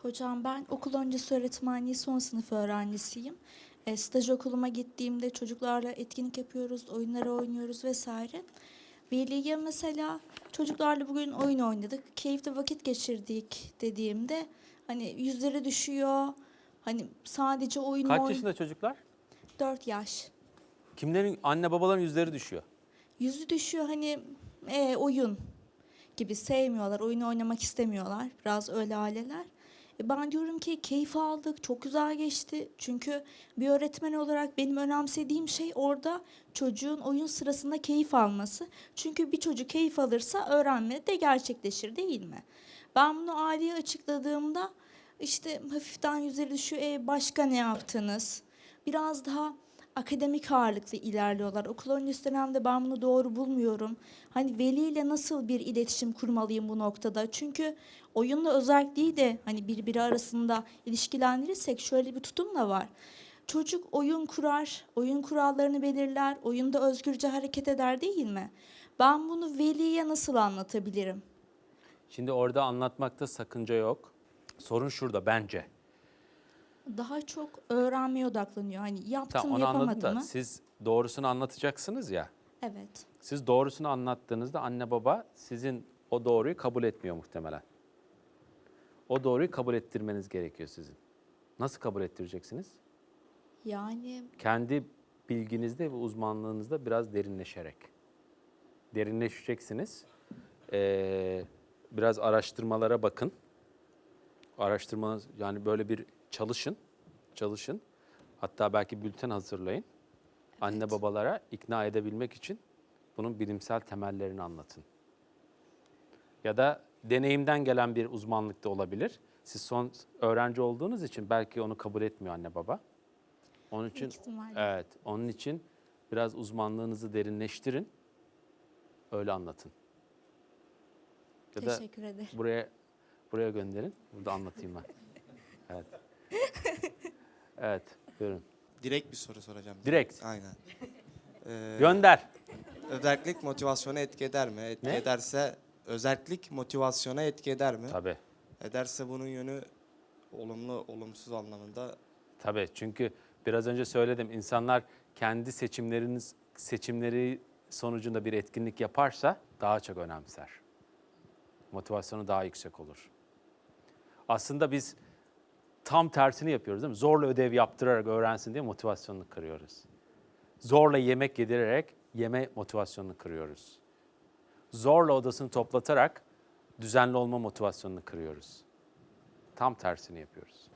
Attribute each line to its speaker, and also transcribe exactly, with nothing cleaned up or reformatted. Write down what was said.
Speaker 1: Hocam ben okul öncesi öğretmenliği son sınıf öğrencisiyim. E, staj okuluma gittiğimde çocuklarla etkinlik yapıyoruz, oyunları oynuyoruz vesaire. Veliye mesela çocuklarla bugün oyun oynadık, keyifli vakit geçirdik dediğimde hani yüzleri düşüyor. Hani sadece oyun
Speaker 2: Kaç
Speaker 1: oyun.
Speaker 2: yaşında çocuklar?
Speaker 1: Dört yaş.
Speaker 2: Kimlerin, anne babaların yüzleri düşüyor.
Speaker 1: Yüzü düşüyor hani e, oyun gibi sevmiyorlar, oyun oynamak istemiyorlar. Biraz öyle aileler. E ben diyorum ki keyif aldık, çok güzel geçti. Çünkü bir öğretmen olarak benim önemsediğim şey orada çocuğun oyun sırasında keyif alması. Çünkü bir çocuk keyif alırsa öğrenme de gerçekleşir değil mi? Ben bunu aileye açıkladığımda işte hafiften yüzleri düşüyor. E başka ne yaptınız? Biraz daha akademik ağırlıklı ilerliyorlar. Okul öncesi dönemde ben bunu doğru bulmuyorum. Hani veliyle nasıl bir iletişim kurmalıyım bu noktada? Çünkü oyunla özelliği de hani birbiri arasında ilişkilendirirsek şöyle bir tutum da var. Çocuk oyun kurar, oyun kurallarını belirler, oyunda özgürce hareket eder değil mi? Ben bunu veliye nasıl anlatabilirim?
Speaker 2: Şimdi orada anlatmakta sakınca yok. Sorun şurada bence.
Speaker 1: Daha çok öğrenmeye odaklanıyor. Hani
Speaker 2: Tamam,
Speaker 1: yaptım
Speaker 2: onu anladım
Speaker 1: yapamadım
Speaker 2: da
Speaker 1: mı?
Speaker 2: siz doğrusunu anlatacaksınız ya.
Speaker 1: Evet.
Speaker 2: Siz doğrusunu anlattığınızda anne baba sizin o doğruyu kabul etmiyor muhtemelen. O doğruyu kabul ettirmeniz gerekiyor sizin. Nasıl kabul ettireceksiniz?
Speaker 1: Yani
Speaker 2: Kendi bilginizde ve uzmanlığınızda biraz derinleşerek. Derinleşeceksiniz. Ee, biraz araştırmalara bakın. Araştırma, yani böyle bir çalışın. Çalışın. Hatta belki bülten hazırlayın. Anne babalara ikna edebilmek için bunun bilimsel temellerini anlatın. Ya da deneyimden gelen bir uzmanlık da olabilir. Siz son öğrenci olduğunuz için belki onu kabul etmiyor anne baba. Onun için
Speaker 1: büyük ihtimalle.
Speaker 2: evet, onun için biraz uzmanlığınızı derinleştirin. Öyle anlatın. Ya da
Speaker 1: Teşekkür ederim.
Speaker 2: buraya buraya gönderin. Burada anlatayım ben. Evet. Evet, buyurun.
Speaker 3: Direkt bir soru soracağım.
Speaker 2: Direkt.
Speaker 3: Aynen. Ee,
Speaker 2: Gönder.
Speaker 3: Özellik motivasyona etki eder mi? Etki
Speaker 2: Ne?
Speaker 3: ederse özellik motivasyona etki eder mi?
Speaker 2: Tabii.
Speaker 3: Ederse bunun yönü olumlu, olumsuz anlamında.
Speaker 2: Tabii, çünkü biraz önce söyledim, insanlar kendi seçimleriniz seçimleri sonucunda bir etkinlik yaparsa daha çok önemser. Motivasyonu daha yüksek olur. Aslında biz tam tersini yapıyoruz değil mi? Zorla ödev yaptırarak öğrensin diye motivasyonunu kırıyoruz. Zorla yemek yedirerek yeme motivasyonunu kırıyoruz. Zorla odasını toplatarak düzenli olma motivasyonunu kırıyoruz. Tam tersini yapıyoruz.